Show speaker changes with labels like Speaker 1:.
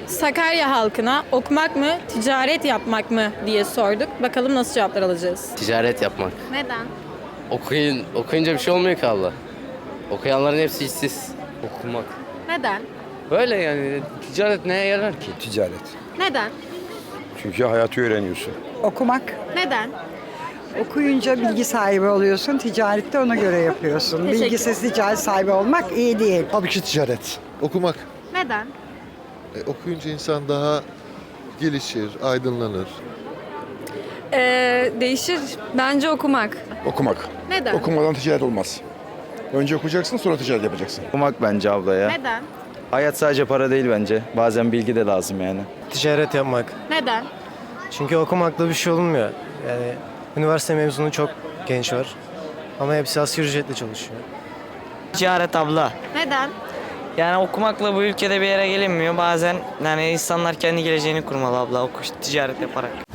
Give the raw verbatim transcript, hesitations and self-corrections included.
Speaker 1: Sakarya halkına okumak mı, ticaret yapmak mı diye sorduk. Bakalım nasıl cevaplar alacağız.
Speaker 2: Ticaret yapmak.
Speaker 1: Neden?
Speaker 2: Okuyun, okuyunca bir şey olmuyor ki abla. Okuyanların hepsi işsiz. Okumak.
Speaker 1: Neden?
Speaker 2: Böyle yani ticaret neye yarar ki?
Speaker 3: Ticaret.
Speaker 1: Neden?
Speaker 3: Çünkü hayatı öğreniyorsun.
Speaker 4: Okumak.
Speaker 1: Neden?
Speaker 4: Okuyunca bilgi sahibi oluyorsun. Ticarette ona göre yapıyorsun.
Speaker 1: Teşekkür
Speaker 4: Bilgisiz ticaret sahibi olmak iyi değil.
Speaker 5: Tabii ki ticaret. Okumak.
Speaker 1: Neden?
Speaker 5: E, okuyunca insan daha gelişir, aydınlanır.
Speaker 6: Ee, değişir. Bence okumak.
Speaker 3: Okumak.
Speaker 1: Neden?
Speaker 3: Okumadan ticaret olmaz. Önce okuyacaksın, sonra ticaret yapacaksın.
Speaker 7: Okumak bence abla ya.
Speaker 1: Neden?
Speaker 7: Hayat sadece para değil bence. Bazen bilgi de lazım yani.
Speaker 8: Ticaret yapmak.
Speaker 1: Neden?
Speaker 8: Çünkü okumakla bir şey olmuyor. Yani üniversite mezunu çok genç var. Ama hepsi asgari ücretle çalışıyor.
Speaker 9: Ticaret abla.
Speaker 1: Neden?
Speaker 9: Yani okumakla bu ülkede bir yere gelinmiyor. Bazen yani insanlar kendi geleceğini kurmalı abla. Oku, ticaret yaparak.